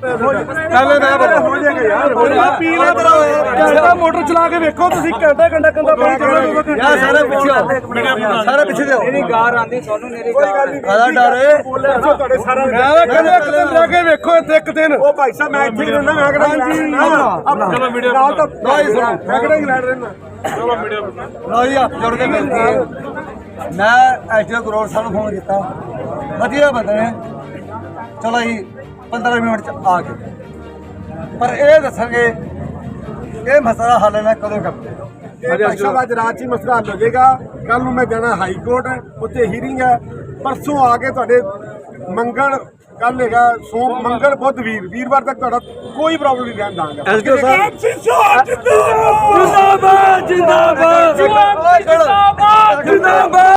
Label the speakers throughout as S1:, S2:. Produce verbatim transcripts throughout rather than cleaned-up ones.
S1: ਪਹਿਲੇ ਮੈਂ ਬਤਾ ਹੋ ਜਾਏਗਾ ਯਾਰ ਹੋ ਜਾ ਪੀ ਲੈ ਤੇਰਾ ਘੰਟਾ ਮੋਟਰ ਚਲਾ ਕੇ ਵੇਖੋ ਤੁਸੀਂ ਘੰਟਾ ਘੰਟਾ ਕੰਦਾ ਪਾਣੀ ਚੱਲਦਾ ਯਾਰ ਸਾਰੇ ਪਿੱਛੇ ਸਾਰੇ ਪਿੱਛੇ ਜਾਓ ਇਹਦੀ ਗਾਰ ਆਂਦੀ ਤੁਹਾਨੂੰ ਮੇਰੀ ਕੋਈ ਗੱਲ ਨਹੀਂ ਆਦਾ ਡਰੇ ਤੁਹਾਡੇ ਸਾਰਾ ਮੈਂ ਕਹਿੰਦਾ ਕਦਮ ਜਾ ਕੇ ਵੇਖੋ ਇੱਥੇ ਇੱਕ ਦਿਨ ਉਹ ਭਾਈ ਸਾਹਿਬ ਮੈਂ ਇੱਥੇ ਰਹਿਣਾ ਮੈਂ ਕਿਹੜਾ ਚਲੋ ਵੀਡੀਓ ਨਾਲ ਤਾਂ ਮੈਂ ਕਿਹੜਾ ਇੰਗਲੈਂਡ ਰਹਿਣਾ ਚਲੋ ਵੀਡੀਓ ਲਓ ਜੀ ਜੁੜ ਕੇ ਮਿਲਦੇ ਹਾਂ ਮੈਂ ਐਸਡੀਓ ਗਰੋੜ ਸਾਹਿਬ ਨੂੰ ਫੋਨ ਕੀਤਾ ਵਧੀਆ ਬੰਦੇ ਨੇ ਚਲੋ ਜੀ पंद्रह मिनट च आ गए पर यह दसेंगे ये मसला हल है कदों करते अज रात ही मसला हल हो जाएगा कल मैं जाना हाई कोर्ट उत्थे हीयरिंग है परसों आके तुहाडे मंगल कल है सोम मंगल बुध वीर वीरवार तक तुहाडा कोई प्रॉब्लम नहीं रहन दांगा जिंदाबाद जिंदाबाद जिंदाबाद जिंदाबाद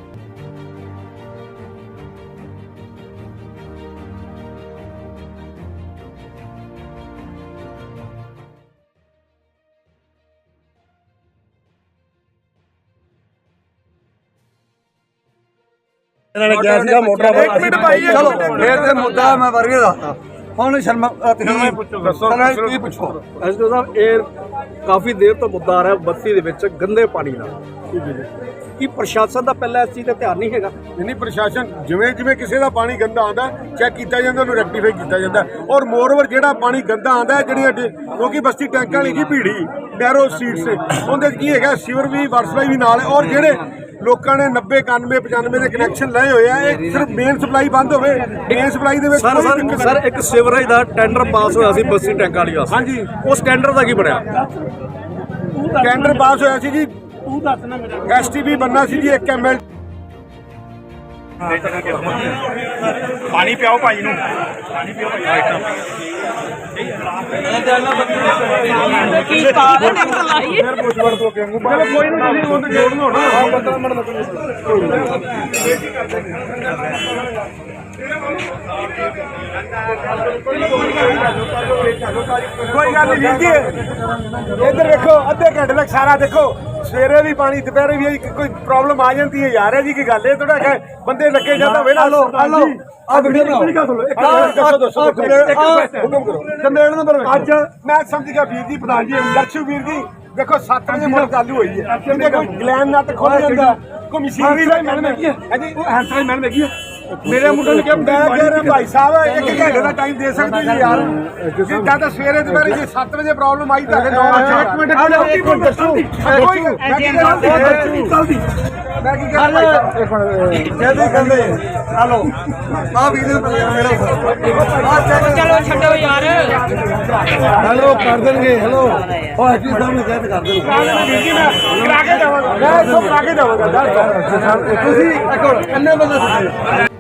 S1: मुद्दा मैं वर्गे
S2: काफी देर तो मुद्दा आ रहा है बस्ती दे विच गंदे पानी का कि प्रशासन का पहला इस चीज़ का ध्यान नहीं है
S1: नहीं प्रशासन जिवें जिवें किसी का पानी गंदा आता चैक किया जाता उन्होंने रैक्टीफाई किया जाता और मोरओवर जो पानी गंदा आता है जी क्योंकि बस्ती टैंक वाली की भीड़ी नैरो स्ट्रीट से उन्हें की है सीवर भी वाटर सप्लाई भी नाल और जेडे लोगों ने नब्बे इक्यानवे पचानवे के कनैक्शन लाए हुए हैं सिर्फ मेन सप्लाई बंद हो मेन सप्लाई
S2: सर सर एक सीवरेज का टेंडर पास होया सी बस्ती टैंक वाली वास्ते
S1: हाँ जी
S2: उस टेंडर का की बनया
S1: टेंडर पास होया सी जी एस टी भी बनना सी जी एक एम एल
S3: पानी पियाओ भाई नूं पानी पियाओ
S1: कोई गल नहीं जी इधर देखो अद्धे घंटे तक सारा देखो सवेरे भी पानी दोपहरे भी कोई प्रॉब्लम आ जाती है यार है जी की गल है थोड़ा बंदे लगे जाता वेला लो लो अज मैं समझ गया वीर जी प्रधान जी दर्शु वीर जी देखो सत्त बजे मोटर चालू हुई है कोई ग्लैन नट खोल जाता कोई मशीनरी का मैडम है जी हैंसराई मैडम है मेरे मुंडे ने क्या मैं कह रहा भाई साहब एक घंटे का टाइम दे सकते जी यार जी ज्यादा सवेरे दोपहर जी सत्त बजे प्रॉब्लम आई तो नौ बजे एक मिनट एक मिनट दसो कोई मैं की कह रहा जल्दी मैं की कह रहा एक मिनट जल्दी कर ले हेलो आ वीडियो मेरा
S4: चलो छड्डो यार
S1: हेलो कर देंगे हेलो ओ एसपी साहब ने कहते कर देंगे जी मैं करा के देवांगा मैं सब करा के देवांगा ਤੁਸੀਂ ਇੱਕ ਇੰਨੇ ਬੰਦੇ